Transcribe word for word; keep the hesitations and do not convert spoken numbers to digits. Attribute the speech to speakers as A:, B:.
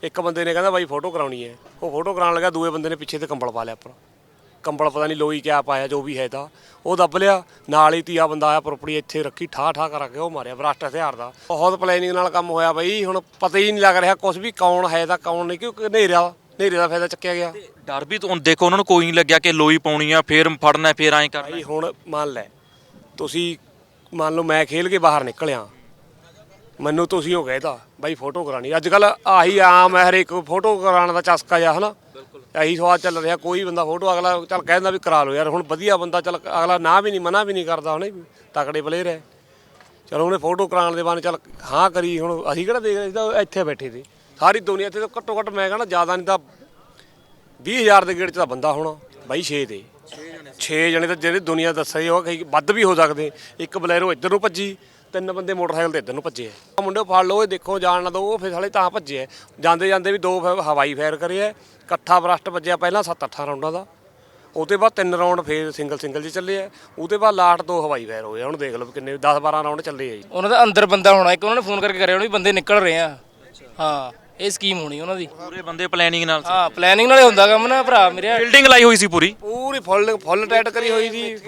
A: ਇੱਕ ਬੰਦੇ ਨੇ ਕਹਿੰਦਾ ਬਾਈ ਫੋਟੋ ਕਰਾਉਣੀ ਹੈ, ਉਹ ਫੋਟੋ ਕਰਾਉਣ ਲੱਗਾ, ਦੂਏ ਬੰਦੇ ਨੇ ਪਿੱਛੇ ਤੇ ਕੰਬਲ ਪਾ ਲਿਆ ਉੱਪਰ, ਕੰਬਲ ਪਤਾ ਨਹੀਂ ਲੋਈ ਕਿਆ ਪਾਇਆ ਜੋ ਵੀ ਹੈ ਤਾਂ ਉਹ ਦੱਬ ਲਿਆ। ਨਾਲ ਹੀ ਤੀਆ ਬੰਦਾ ਆਇਆ ਪ੍ਰੋਪਰਟੀ ਇੱਥੇ ਰੱਖੀ ਠਾਹ ਠਾਹ ਕਰਕੇ ਉਹ ਮਾਰਿਆ ਬਰਾਸਟ ਹਥਿਆਰ ਦਾ। ਬਹੁਤ ਪਲੈਨਿੰਗ ਨਾਲ ਕੰਮ ਹੋਇਆ ਬਈ, ਹੁਣ ਪਤਾ ਹੀ ਨਹੀਂ ਲੱਗ ਰਿਹਾ ਕੁਛ ਵੀ ਕੌਣ ਹੈ ਤਾਂ ਕੌਣ ਨਹੀਂ, ਕਿਉਂਕਿ ਹਨੇਰਾ ਹਨੇਰੇ ਦਾ ਫਾਇਦਾ ਚੱਕਿਆ ਗਿਆ।
B: ਡਰ ਵੀ ਤੋਂ ਦੇਖੋ ਉਹਨਾਂ ਨੂੰ ਕੋਈ ਨਹੀਂ ਲੱਗਿਆ ਕਿ ਲੋਈ ਪਾਉਣੀ ਆ ਫੇਰ ਫੜਨਾ ਫੇਰ ਐਂ ਕਰਨਾ।
A: ਭਾਈ ਹੁਣ ਮੰਨ ਲੈ ਤੁਸੀਂ, ਮੰਨ ਲਓ ਮੈਂ ਖੇਲ ਕੇ ਬਾਹਰ ਨਿਕਲਿਆ, ਮੈਨੂੰ ਤੁਸੀਂ ਹੋ ਗਏ ਤਾਂ ਬਾਈ ਫੋਟੋ ਕਰਾਣੀ, ਅੱਜ ਕੱਲ ਆਹੀ ਆਮ ਹੈ ਹਰੇਕ ਫੋਟੋ ਕਰਾਉਣ ਦਾ ਚਸਕਾ ਜਾ ਹਨਾ, ਇਹੀ ਸਵਾਲ ਚੱਲ ਰਿਹਾ। ਕੋਈ ਬੰਦਾ ਫੋਟੋ ਅਗਲਾ ਚੱਲ ਕਹਿ ਦਿੰਦਾ ਵੀ ਕਰਾ ਲਓ ਯਾਰ, ਹੁਣ ਵਧੀਆ ਬੰਦਾ ਚੱਲ ਅਗਲਾ ਨਾ ਵੀ ਨਹੀਂ ਮਨਾ ਵੀ ਨਹੀਂ ਕਰਦਾ, ਹੁਣ ਤਕੜੇ ਪਲੇਅਰ ਹੈ, ਚਲੋ ਉਹਨੇ ਫੋਟੋ ਕਰਾਉਣ ਦੇ ਬਾਅਦ ਚੱਲ ਹਾਂ ਕਰੀ। ਹੁਣ ਅਸੀਂ ਕਿਹੜਾ ਦੇਖ ਰਹੇ ਸੀ, ਤਾਂ ਇੱਥੇ ਬੈਠੇ ਸੀ ਸਾਰੀ ਦੁਨੀਆ ਇੱਥੇ, ਤਾਂ ਘੱਟੋ ਘੱਟ ਮੈਂ ਕਹਿੰਦਾ ਜ਼ਿਆਦਾ ਨਹੀਂ ਤਾਂ ਵੀਹ ਹਜ਼ਾਰ ਦੇ ਗੇੜ 'ਚ ਤਾਂ ਬੰਦਾ ਹੋਣਾ ਬਾਈ, ਛੇ ਤੇ ਛੇ ਜਣੇ ਤਾਂ ਜਿਹੜੇ ਦੁਨੀਆ ਦੱਸਿਆ ਉਹ ਕਈ ਵੱਧ ਵੀ ਹੋ ਸਕਦੇ। ਇੱਕ ਬਲੈਰੋ ਇੱਧਰ ਨੂੰ ਭੱਜੀ, ਤਿੰਨ ਬੰਦੇ ਮੋਟਰਸਾਈਕਲ ਤੇ ਇੱਧਰ ਨੂੰ ਭੱਜੇ ਆ, ਮੁੰਡੇ ਫੜ ਲਓ ਇਹ ਦੇਖੋ ਜਾਣ ਨਾ ਦੋ, ਉਹ ਫਿਰ ਸਾਲੇ ਤਾਂ ਭੱਜੇ ਆ, ਜਾਂਦੇ ਜਾਂਦੇ ਵੀ ਦੋ ਹਵਾਈ ਫਾਇਰ ਕਰੇ ਆ, ਇਕੱਠਾ ਬਰਸਟ ਵੱਜਿਆ ਪਹਿਲਾਂ ਸੱਤ ਅੱਠਾਂ ਰਾਊਂਡਾਂ ਦਾ, ਉਹਦੇ ਬਾਅਦ ਤਿੰਨ ਰਾਊਂਡ ਫੇਰ ਸਿੰਗਲ ਸਿੰਗਲ 'ਚ ਚੱਲੇ ਆ, ਉਹਦੇ ਬਾਅਦ ਲਾਸਟ ਦੋ ਹਵਾਈ ਫਾਇਰ ਹੋਏ। ਹੁਣ ਦੇਖ ਲਓ ਕਿੰਨੇ ਦਸ ਬਾਰਾਂ ਰਾਊਂਡ ਚੱਲੇ ਆ ਜੀ।
C: ਉਹਨਾਂ ਦਾ ਅੰਦਰ ਬੰਦਾ ਹੋਣਾ ਇੱਕ, ਉਹਨਾਂ ਨੇ ਫੋਨ ਕਰਕੇ ਕਰਿਆ ਉਹਨਾਂ ਵੀ ਬੰਦੇ ਨਿਕਲ ਰਹੇ ਆ। ਹਾਂ ਇਹ ਸਕੀਮ ਹੋਣੀ ਉਹਨਾਂ ਦੀ,
B: ਪੂਰੇ ਬੰਦੇ ਪਲੈਨਿੰਗ ਨਾਲ ਸੀ।
C: ਹਾਂ ਪਲੈਨਿੰਗ ਨਾਲੇ ਹੁੰਦਾ ਕੰਮ ਨਾ ਭਰਾ ਮੇਰੇ।
B: ਬਿਲਡਿੰਗ ਲਾਈ ਹੋਈ ਸੀ ਪੂਰੀ
A: ਪੂਰੀ ਫੁੱਲ ਫੁੱਲ ਟਾਈਟ ਕਰੀ ਹੋਈ ਸੀ,